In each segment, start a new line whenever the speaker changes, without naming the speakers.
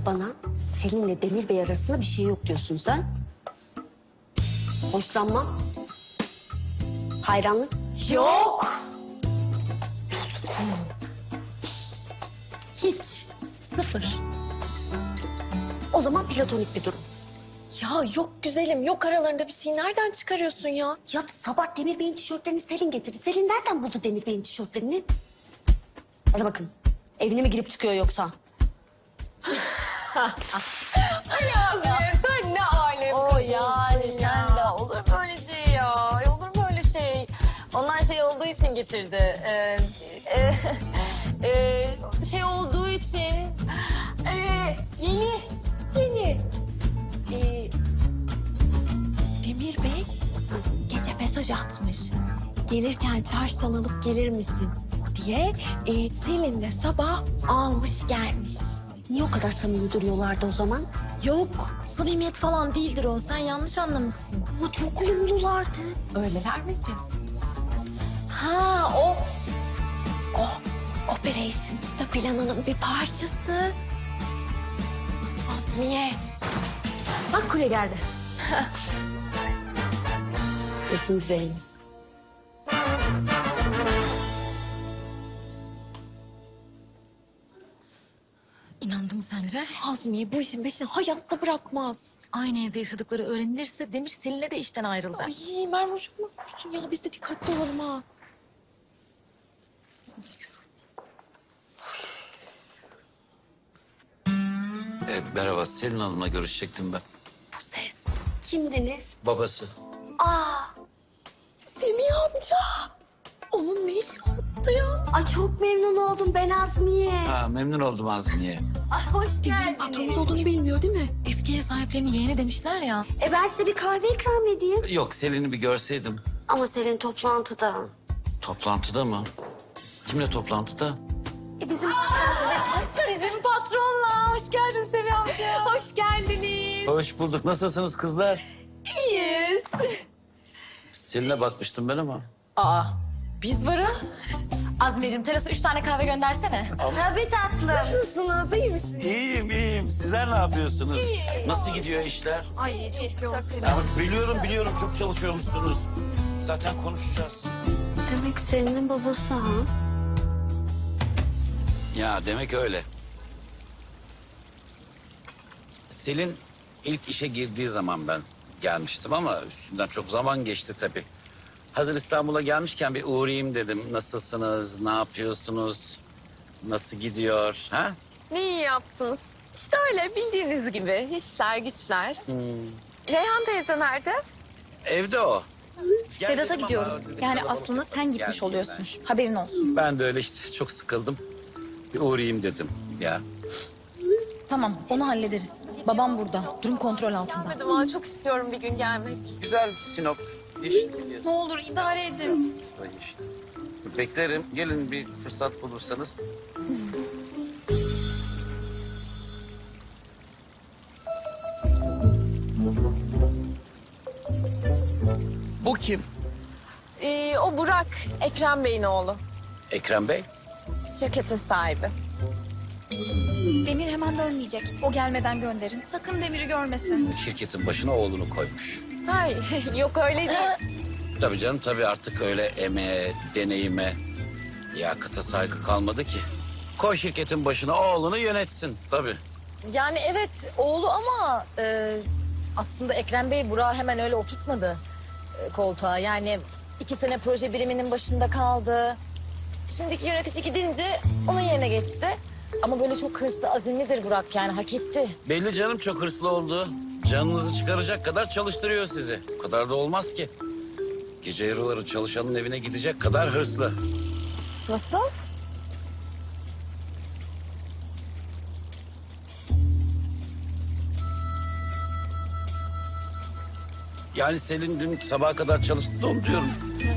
Şimdi bana Selin'le Demir Bey arasında bir şey yok diyorsun sen. Hoşlanma. Hayranlık.
Yok.
Hiç. Sıfır. O zaman platonik bir durum.
Ya yok güzelim, yok aralarında bir şey. Nereden çıkarıyorsun ya?
Ya sabah Demir Bey'in tişörtlerini Selin getirdi. Selin nereden buldu Demir Bey'in tişörtlerini? Bana bakın. Evine mi girip çıkıyor yoksa?
Ay abi sen ne alem
O yani sen de olur böyle şey ya. Olur mu öyle şey? Onlar şey olduğu için getirdi. Şey olduğu için. Yeni.
Demir Bey gece mesaj atmış. Gelirken çarşıdan alıp gelir misin diye. Selin de sabah almış gelmiş.
Niye o kadar samimi duruyorlardı o zaman?
Yok samimiyet falan değildir o. Sen yanlış anlamışsın.
Ama çok uyumlulardı.
Öyleler miydi? Ha o Operation işte planının bir parçası. Azmiye.
Bak kule geldi. Resim güzelmiş.
İnandım sence?
Azmiye bu işin peşini hayatta bırakmaz.
Aynı evde yaşadıkları öğrenilirse Demir Selin'le de işten ayrıldı.
Ay Mervoş'um ne yapıyorsun ya? Biz de dikkatli olalım ha.
Evet merhaba, Selin Hanım'la görüşecektim ben.
Bu ses.
Kimdiniz?
Babası.
Aa. Semih amca. Onun ne işi orada ya?
Ay çok memnun oldum ben Azmiye.
Ha, memnun oldum Azmiye.
Ay hoş
Demir patronumuz olduğunu bilmiyor değil mi?
Eski ev sahiplerinin yeğeni demişler ya.
Ben size bir kahve ikram edeyim.
Yok, Selin'i bir görseydim.
Ama Selin toplantıda.
Toplantıda mı? Kimle toplantıda?
Bizim
Bizim patronla. Hoş geldin Semih amca.
Hoş geldiniz.
Hoş bulduk. Nasılsınız kızlar?
İyiyiz.
Selin'e bakmıştım ben ama.
Aa, biz varız. Azmiyeciğim terasa 3 tane kahve göndersene.
Tabii tatlım.
Nasılsınız? İyi misiniz?
İyiyim. Sizler ne yapıyorsunuz?
İyi.
Nasıl gidiyor işler?
Ay çok yoğun.
Ya, biliyorum çok çalışıyormuşsunuz. Zaten konuşacağız.
Demek Selin'in babası ha?
Ya demek öyle. Selin ilk işe girdiği zaman ben gelmiştim ama üstünden çok zaman geçti tabii. Hazır İstanbul'a gelmişken bir uğrayayım dedim. Nasılsınız, ne yapıyorsunuz, nasıl gidiyor? Ha?
Ne iyi yaptınız. İşte öyle bildiğiniz gibi işler güçler. Reyhan teyze nerede?
Evde o. Gel
Sedat'a
dedim ama
gidiyorum.
dedi,
Yani
kalabalık
aslında
yapalım.
sen gitmiş
Gelmeyeyim
oluyorsun. Haberin olsun.
Ben de öyle işte çok sıkıldım. Bir uğrayayım dedim ya.
Tamam onu hallederiz. Babam burada. Durum kontrol altında.
Gelmedim ama çok istiyorum bir gün gelmek.
Güzel Sinop. Yeşil biliyorsun.
Ne olur idare edin.
İşte. Beklerim. Gelin bir fırsat bulursanız. Bu kim?
O Burak, Ekrem Bey'in oğlu.
Ekrem Bey.
Şirketin sahibi.
Demir hemen dönmeyecek. O gelmeden gönderin. Sakın Demir'i görmesin.
Şirketin başına oğlunu koymuş.
Hay, yok öyle değil.
Tabii canım tabii artık öyle emeğe, deneyime, liyakata saygı kalmadı ki. Koy şirketin başına oğlunu yönetsin tabii.
Yani evet oğlu ama aslında Ekrem Bey Burak'ı hemen öyle oturtmadı koltuğa. Yani 2 sene proje biriminin başında kaldı. Şimdiki yönetici gidince onun yerine geçti. Ama böyle çok hırslı, azimlidir Burak yani hak etti.
Belli canım çok hırslı oldu. Canınızı çıkaracak kadar çalıştırıyor sizi. O kadar da olmaz ki. Gece yarıları çalışanın evine gidecek kadar hırslı.
Nasıl?
Yani Selin dün sabaha kadar çalıştı da onu diyorum.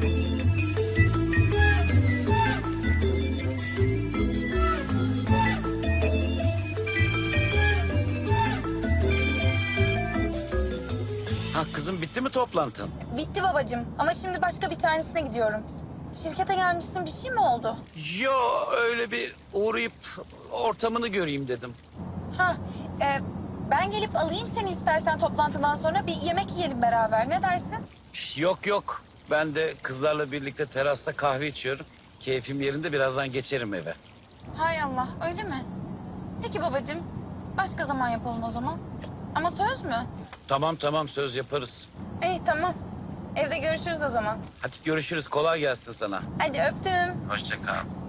Ha kızım bitti mi toplantın?
Bitti babacığım ama şimdi başka bir tanesine gidiyorum. Şirkete gelmişsin bir şey mi oldu?
Yo öyle bir uğrayıp ortamını göreyim dedim.
Ha Ben gelip alayım seni istersen toplantıdan sonra bir yemek yiyelim beraber. Ne dersin?
Yok yok. Ben de kızlarla birlikte terasta kahve içiyorum. Keyfim yerinde, birazdan geçerim eve.
Hay Allah, öyle mi? Peki babacığım, başka zaman yapalım o zaman. Ama söz mü?
Tamam tamam, söz yaparız.
İyi, tamam. Evde görüşürüz o zaman.
Hadi görüşürüz, kolay gelsin sana.
Hadi öptüm.
Hoşça kal.